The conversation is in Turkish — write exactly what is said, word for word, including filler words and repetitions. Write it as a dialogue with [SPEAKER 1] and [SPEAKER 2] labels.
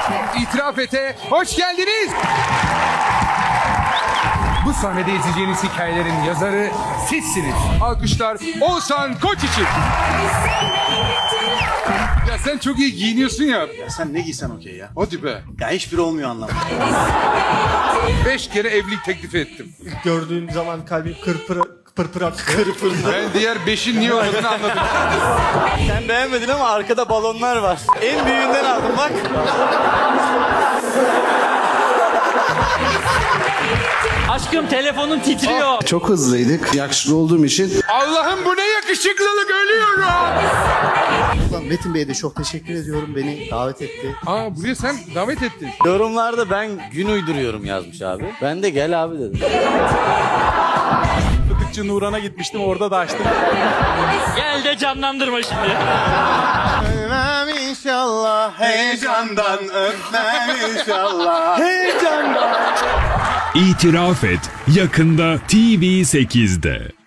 [SPEAKER 1] İtiraf Ete hoş geldiniz. Bu sahnede izleyeceğiniz hikayelerin yazarı sizsiniz. Alkışlar Oğuzhan Koç için. Ya sen çok iyi giyiniyorsun ya.
[SPEAKER 2] Ya sen ne giysen okey ya.
[SPEAKER 1] Hadi be.
[SPEAKER 2] Ya hiçbiri olmuyor anlamda.
[SPEAKER 1] Beş kere evlilik teklifi ettim.
[SPEAKER 3] Gördüğün zaman kalbim kırpır pırpır attı.
[SPEAKER 1] Ben diğer beşin niye olmadığını anladım.
[SPEAKER 4] Sen beğenmedin ama arkada balonlar var. En büyüğünden aldım bak.
[SPEAKER 5] Aşkım telefonun titriyor.
[SPEAKER 6] Çok hızlıydık. Yakışıklı olduğum için.
[SPEAKER 1] Allah'ım bu ne yakışıklılık, ölüyorum.
[SPEAKER 3] Metin Bey'e de çok teşekkür ediyorum. Beni davet etti.
[SPEAKER 1] Aa, buraya sen davet ettin.
[SPEAKER 4] Yorumlarda ben gün uyduruyorum yazmış abi. Ben de gel abi dedim.
[SPEAKER 7] Fıtıkçı Nuran'a gitmiştim, orada da açtım.
[SPEAKER 5] Gel de canlandırma şimdi.
[SPEAKER 2] Öpmem inşallah. Heyecandan öpmem inşallah. Heyecandan.
[SPEAKER 8] İtiraf Et yakında T V sekizde.